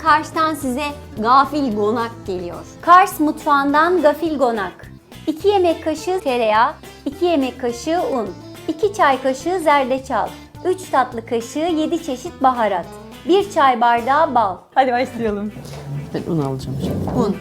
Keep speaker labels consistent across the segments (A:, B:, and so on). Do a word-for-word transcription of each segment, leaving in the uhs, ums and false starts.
A: Kars'tan size gafil gonak geliyor. Kars mutfağından gafil gonak. iki yemek kaşığı tereyağı, iki yemek kaşığı un, iki çay kaşığı zerdeçal, üç tatlı kaşığı yedi çeşit baharat, bir çay bardağı bal. Hadi başlayalım.
B: Ben un alacağım şimdi. Un.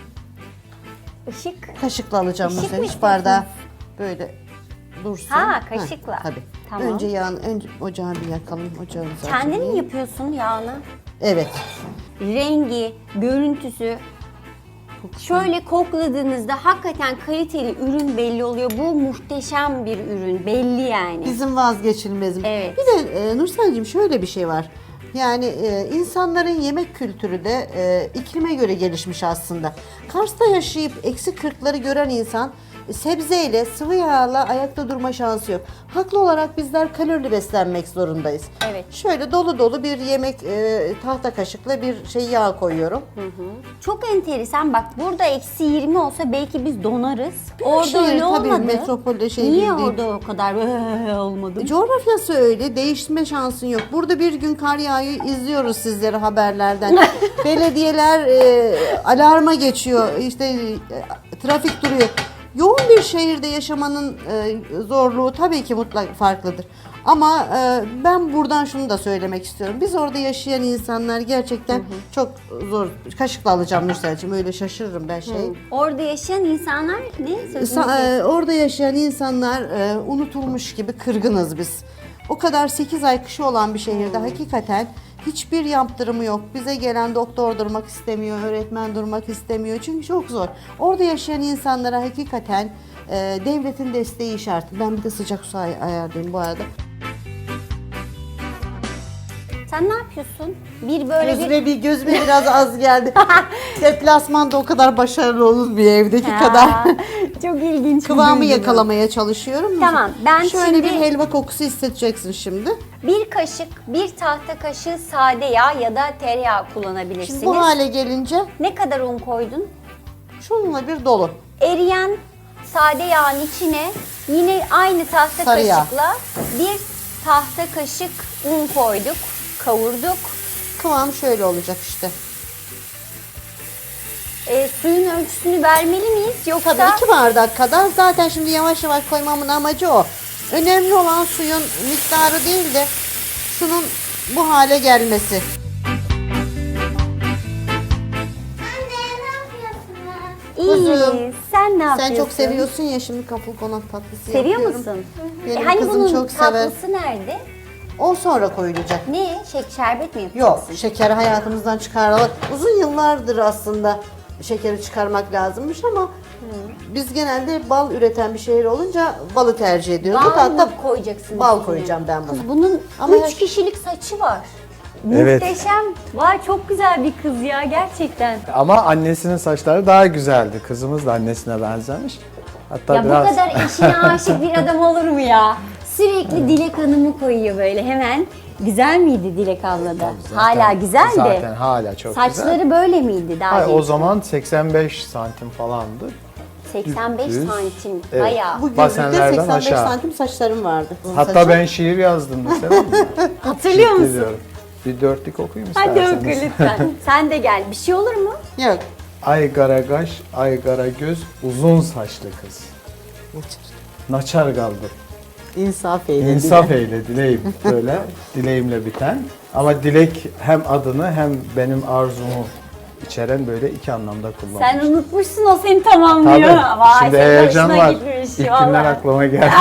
A: Işık.
B: Kaşıkla alacağım
A: Işık
B: mesela.
A: mı
B: Hiç bardağı böyle dursun.
A: Ha, kaşıkla.
B: Ha, tabii.
A: Tamam.
B: Önce yağını, önce ocağı bir yakalım. Ocağımızı
A: Kendin
B: açalım.
A: mi yapıyorsun yağını?
B: Evet.
A: Rengi, görüntüsü. Şöyle kokladığınızda hakikaten kaliteli ürün belli oluyor. Bu muhteşem bir ürün, belli yani.
B: Bizim vazgeçilmezim.
A: Evet.
B: Bir de e, Nursel'cim şöyle bir şey var. Yani e, insanların yemek kültürü de e, iklime göre gelişmiş aslında. Kars'ta yaşayıp eksi kırkları gören insan e, sebzeyle, sıvı yağla ayakta durma şansı yok. Haklı olarak bizler kalorili beslenmek zorundayız.
A: Evet.
B: Şöyle dolu dolu bir yemek e, tahta kaşıkla bir şey yağ koyuyorum.
A: Çok enteresan. Bak burada eksi yirmi olsa belki biz donarız. Orada
B: şehir,
A: öyle
B: tabii,
A: olmadı.
B: metropolde şey
A: Niye
B: değil.
A: orada o kadar olmadı?
B: Coğrafyası öyle, değişme şansın yok. Burada bir gün kar yağıyor, izliyoruz sizleri haberlerden. Belediyeler e, alarma geçiyor, işte e, trafik duruyor. Yoğun bir şehirde yaşamanın e, zorluğu tabii ki mutlak farklıdır. Ama e, ben buradan şunu da söylemek istiyorum. Biz orada yaşayan insanlar gerçekten hı hı. çok zor. Kaşıkla alacağım Nursel'cim, öyle şaşırırım ben şey. Hı.
A: Orada yaşayan insanlar ne?
B: Sa- e, orada yaşayan insanlar e, unutulmuş gibi kırgınız biz. O kadar sekiz ay kışı olan bir şehirde hmm. hakikaten hiçbir yaptırımı yok. Bize gelen doktor durmak istemiyor, öğretmen durmak istemiyor. Çünkü çok zor. Orada yaşayan insanlara hakikaten e, devletin desteği şart. Ben bir de sıcak su ay- ayarlayayım bu arada.
A: Sen ne yapıyorsun? Bir böyle
B: Gözüme
A: bir...
B: bir gözüme biraz az geldi. Deplasmanda o kadar başarılı olur bir evdeki
A: Ha,
B: kadar.
A: Çok ilginç.
B: Kıvamı yakalamaya çalışıyorum.
A: Tamam, ben
B: Şöyle
A: şimdi-
B: bir helva kokusu hissedeceksin şimdi.
A: Bir kaşık, bir tahta kaşığı sade yağ ya da tereyağı kullanabilirsiniz.
B: Şimdi bu hale gelince
A: Ne kadar un koydun?
B: şununla bir dolu.
A: Eriyen sade yağın içine yine aynı tahta
B: Sarı yağ.
A: kaşıkla bir tahta kaşık un koyduk, kavurduk.
B: Kıvam şöyle olacak işte.
A: E, suyun ölçüsünü vermeli miyiz yoksa?
B: Tabii iki bardak kadar. Zaten şimdi yavaş yavaş koymamın amacı o. Önemli olan suyun miktarı değil de şunun bu hale gelmesi.
A: İyi.
B: Kuzum,
A: Sen ne yapıyorsun?
B: Sen çok seviyorsun ya, şimdi kapul konak tatlısı
A: Seviyor
B: yapıyorum.
A: musun?
B: Benim
A: E, hani
B: kızım
A: bunun
B: çok sever.
A: tatlısı nerede?
B: O sonra koyulacak.
A: Ne? Şek şerbet mi yapacaksın?
B: Yok, şekeri hayatımızdan çıkaralım. Uzun yıllardır aslında şekeri çıkarmak lazımmış ama biz genelde bal üreten bir şehir olunca balı tercih ediyoruz.
A: Bal
B: Hatta
A: mı koyacaksın?
B: bal
A: üstüne?
B: koyacağım ben buna.
A: Kız bunun
B: Ama
A: üç
B: her-
A: kişilik saçı var.
C: Evet.
A: Muhteşem. Vay çok güzel bir kız ya gerçekten.
C: Ama annesinin saçları daha güzeldi. Kızımız da annesine benzemiş. Hatta
A: Ya
C: biraz
A: bu kadar eşine aşık bir adam olur mu ya? Sürekli Dilek Hanım'ı koyuyor böyle hemen. Güzel miydi Dilek abla da?
C: Zaten-
A: Hala güzeldi.
C: Zaten hala çok
A: Saçları
C: güzel.
A: böyle miydi daha
C: Hayır,
A: genç?
C: o zaman seksen beş santim falandı.
A: seksen beş
C: düz.
A: santim.
C: Evet.
A: Bayağı.
B: Bu gözlükte
C: Basenlerden
B: seksen beş
C: aşağı.
B: santim saçlarım vardı. Bunun
C: Hatta
B: saçı.
C: ben şiir yazdım mesela.
A: Hatırlıyor
C: Ciddi
A: musun?
C: diyorum. Bir dörtlük okuyayım
A: Hadi
C: isterseniz.
A: oku lütfen. Sen de gel. Bir şey olur mu?
B: Yok.
C: Ay kara kaş, ay kara göz, uzun saçlı kız. Naçar kaldı.
B: İnsaf eyle.
C: İnsaf eyle dileğim böyle dileğimle biten. Ama dilek hem adını hem benim arzumu içeren böyle iki anlamda kullanmış.
A: Sen unutmuşsun o seni tamamlıyor.
C: Tabii.
A: Vay,
C: Şimdi
A: senin
C: heyecan
A: hoşuna
C: var.
A: gitmiş,
C: İlk günler
A: vallahi.
C: aklıma geldi.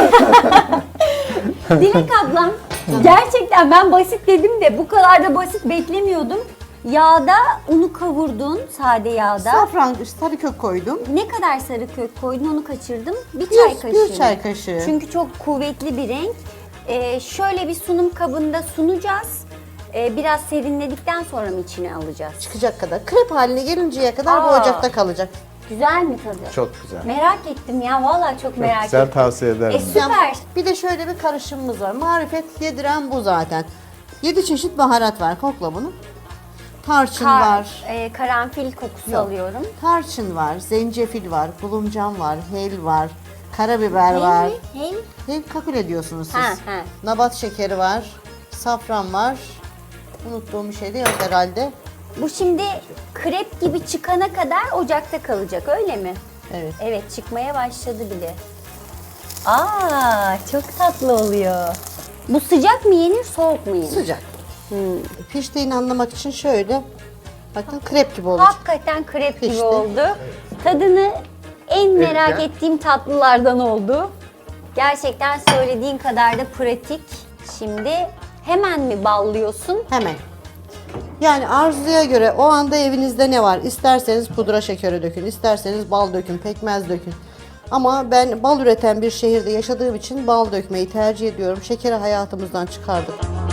A: Dilek ablam gerçekten ben basit dedim de bu kadar da basit beklemiyordum. Yağda unu kavurdun sade yağda.
B: Safran, sarı kök koydum.
A: Ne kadar sarı kök koydun onu kaçırdım. Bir çay
B: Bir,
A: kaşığı.
B: bir çay kaşığı.
A: Çünkü çok kuvvetli bir renk. Ee, şöyle bir sunum kabında sunacağız. Ee, biraz serinledikten sonra mı içine alacağız?
B: Çıkacak kadar. Krep haline gelinceye kadar bu
A: Aa.
B: ocakta kalacak.
A: Güzel mi tadı?
C: Çok güzel.
A: Merak ettim ya vallahi çok merak
C: Güzel,
A: ettim.
C: tavsiye ederim.
A: E, süper.
B: Bir de şöyle bir karışımımız var. Marifet yediren bu zaten. Yedi çeşit baharat var. Kokla bunu. Tarçın
A: Kar-
B: var.
A: e, karanfil kokusu
B: Yok.
A: alıyorum.
B: Tarçın var, zencefil var, bulumcan var, hel var, karabiber
A: Ne
B: var.
A: mi? Hey.
B: Hel kakule diyorsunuz siz.
A: Ha, ha.
B: Nabat şekeri var, safran var. Unuttuğum bir şey de yok herhalde.
A: Bu şimdi krep gibi çıkana kadar ocakta kalacak öyle mi?
B: Evet.
A: Evet, çıkmaya başladı bile. Aa, çok tatlı oluyor. Bu sıcak mı yenir, soğuk mu yenir?
B: Sıcak. Piştiğini anlamak için şöyle, bakın krep gibi olacak.
A: Hakikaten krep gibi
B: Pişti.
A: oldu. Tadını en merak
C: Evet.
A: ettiğim tatlılardan oldu. Gerçekten söylediğin kadar da pratik. Şimdi hemen mi ballıyorsun?
B: Hemen. Yani arzuya göre o anda evinizde ne var? İsterseniz pudra şekeri dökün, isterseniz bal dökün, pekmez dökün. Ama ben bal üreten bir şehirde yaşadığım için bal dökmeyi tercih ediyorum. Şekeri hayatımızdan çıkardık.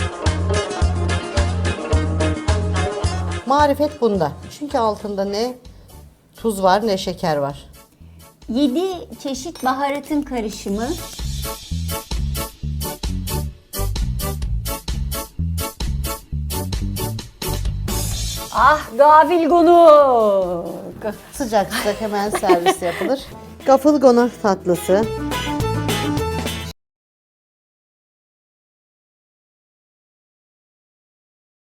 B: Marifet bunda. Çünkü altında ne tuz var ne şeker var.
A: yedi çeşit baharatın karışımı. Ah, gafil gonuk.
B: Sıcak sıcak hemen servis yapılır. Gafılgonak tatlısı.